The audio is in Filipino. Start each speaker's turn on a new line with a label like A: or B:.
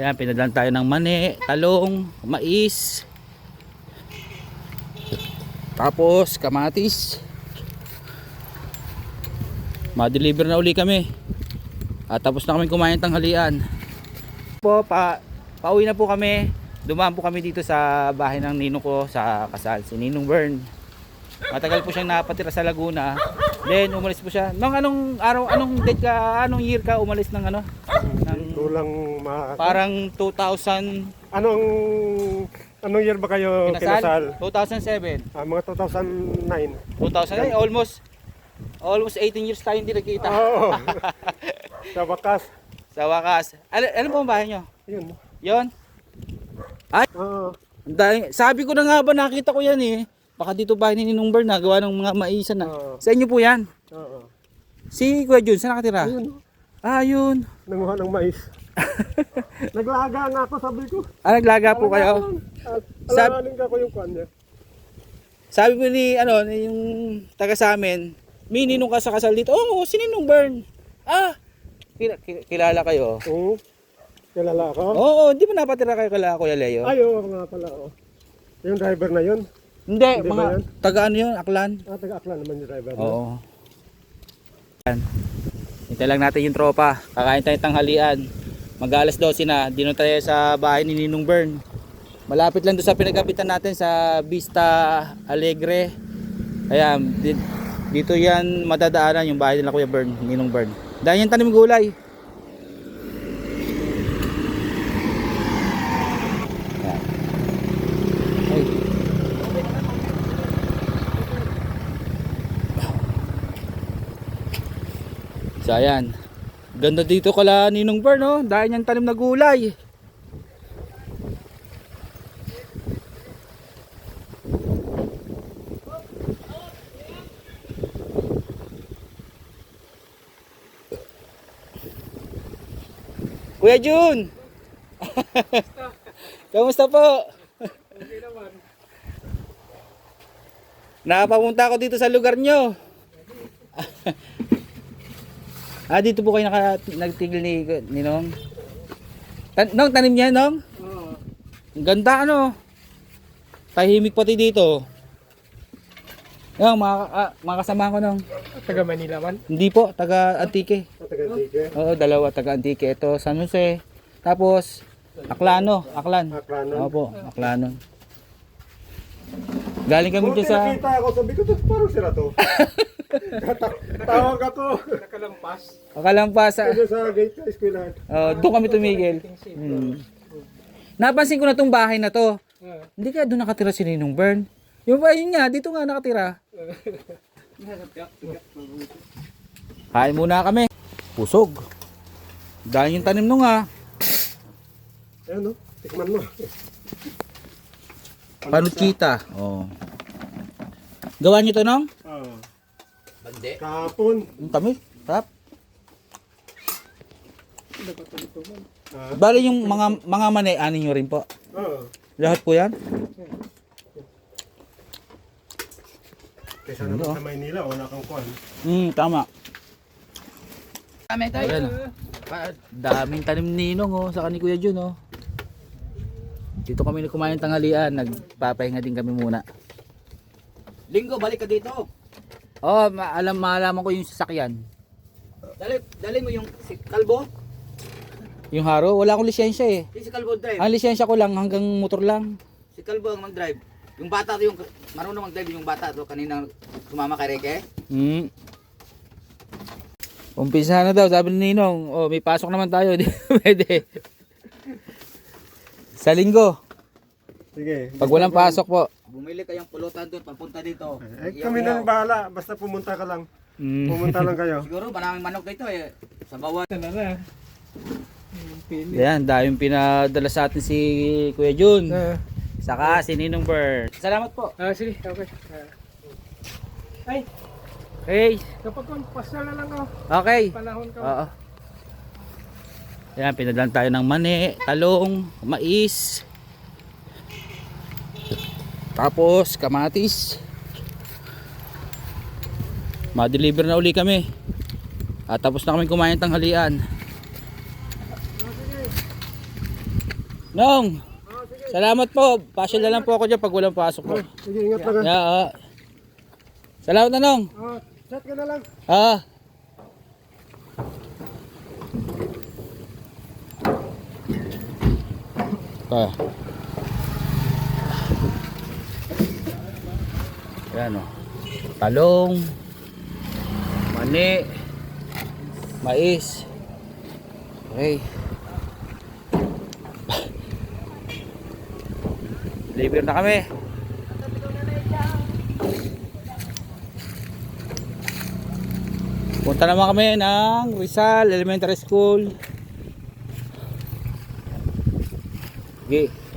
A: Ayan, pinadala tayo ng mani, talong, mais, tapos kamatis. Ma-deliver na uli kami. At tapos na kami kumain tanghalian. Pauwi na po kami. Dumaan po kami dito sa bahay ng ninong ko sa kasal, si Ninong Bern. Matagal po siyang napatira sa Laguna. Then umalis po siya. Nung anong araw, anong date ka, anong year ka umalis ng ano?
B: Kulang
A: Parang 2000.
B: Anong year ba kayo kinasal?
A: 2007.
B: Mga 2009.
A: 2000, almost 18 years tayo hindi nagkita.
B: Oo. Sa wakas.
A: Sa wakas. Ano po ang bahay nyo?
B: Yun.
A: Yon? Ay,
B: Oo.
A: sabi ko na nga ba, nakita ko yan eh. Baka dito bahay ni Ninong Bern na gawa ng mga maisan na. Sa inyo po yan?
B: Oo.
A: Si Kuya Jun, saan nakatira?
B: Ayun.
A: Yun.
B: Nanguha ng mais. Naglaga nga ako, sabi ko.
A: Naglaga po kayo?
B: Alanganin ka ko yung kwan niya.
A: Sabi po ni, yung taga sa amin, may ninong ka sa kasal dito. Oo, si Ninong Bern. Kilala kayo?
B: Oo. Kilala ako?
A: Oo, hindi ba napatira kayo kala Kuya Leo?
B: Ay, oo nga pala. Oh. Yung driver na yun?
A: Hindi,
B: Hindi
A: mga
B: ba yan?
A: taga ano yun, Aklan.
B: Taga-Aklan naman yung driver.
A: Oo. Yan. Hintay lang natin yung tropa. Kakain tayo tanghalian. Mag-alas 12 na. Dino tayo sa bahay ni Ninong Bern. Malapit lang doon sa pinagapitan natin sa Vista Alegre. Ayan, dito yan madadaanan yung bahay nila Kuya Bern, Ninong Bern. Dahil yan tanim gulay. Ayan. Ay. So ayan. Ganda dito kala Ninong Bern, no? Dahil yan tanim na gulay. Kuya Jun! Kamusta po?
B: Okay naman.
A: Nakapapunta ako dito sa lugar nyo. Dito po kayo nagtigil ni Ninong? Nong, tanim niya, Nong?
B: Oo.
A: Ang ganda, ano? Tahimik pati dito. Yung mga kasama ko, Nong.
B: Taga Manila man?
A: Hindi po, taga Antique.
B: Taga Antique.
A: Oo, dalawa, taga Antique. Ito, San Jose. Tapos, Aklan.
B: Aklanon.
A: Opo, Aklanon. Galing kami dyan sa...
B: Nakita ako, sabi ko, parang sila to. Tawag ako. Nakalampas.
A: Akalampas.
B: Kasi sa gate sa eskwelahan.
A: Doon kami tumigil. Napansin ko na tong bahay na to. Hindi kaya doon nakatira si Ninong Bern? Yung bahay niya, dito nga nakatira. Kain muna kami. Pusog. Dahil yung tanim nung
B: Ayan, no? Tikman mo.
A: panuchita. Oh. Gawa niyo to, Nong?
B: Oo.
C: Bande.
B: Kahapon.
A: Ang tamis. Sarap.
B: Ah.
A: Bali yung mga mani, anin nyo rin po.
B: Oo.
A: Lahat po yan?
B: Kaysa naman sa Maynila, wala kang kwan.
A: Tama.
C: Kami tayo.
A: Ayan, daming tanim ni Ninong, sa ni Kuya Jun, Dito kami kumain tanghalian, nagpapahinga din kami muna.
C: Linggo, balik ka dito.
A: Malaman ko yung sasakyan.
C: Dali mo yung si Kalbo.
A: Yung haro, wala akong lisensya eh.
C: Yung si Kalbo drive.
A: Ang lisensya ko lang hanggang motor lang.
C: Si Kalbo ang mag-drive. Yung bata to, yung marunong mag-drive yung bata to. Kanina sumama kay Reke.
A: Umpisa na daw, sabi ni Ninong. May pasok naman tayo, di pwede. Sa linggo,
B: Sige.
A: pag walang pasok po.
C: Bumili kayong pulutan doon, papunta dito.
B: Kami na bahala. Basta pumunta ka lang. Pumunta lang kayo.
C: Siguro maraming manok dito eh. Sa bawat.
A: Ayan, dahil yung pinadala sa atin si Kuya Jun. Saka si Ninong Bern. Salamat po.
B: Sige, okay. Ay,
A: Hey,
B: kapag pasal na lang ako.
A: okay.
B: Panahon ka.
A: Oo. Ayan, pinadala tayo ng mani, talong, mais. Tapos kamatis. Ma-deliver na uli kami. At tapos na kami kumain tanghalian. Nong, salamat po. Pasyal na lang po ako dyan pag walang pasok po.
B: Sige, ingat lang.
A: Yeah, salamat na Nong.
B: Chat ka na lang.
A: Ito. Ayan o. Talong. Mani. Mais. Okay. Deliver na kami. Punta naman kami ng Rizal Elementary School. Okay.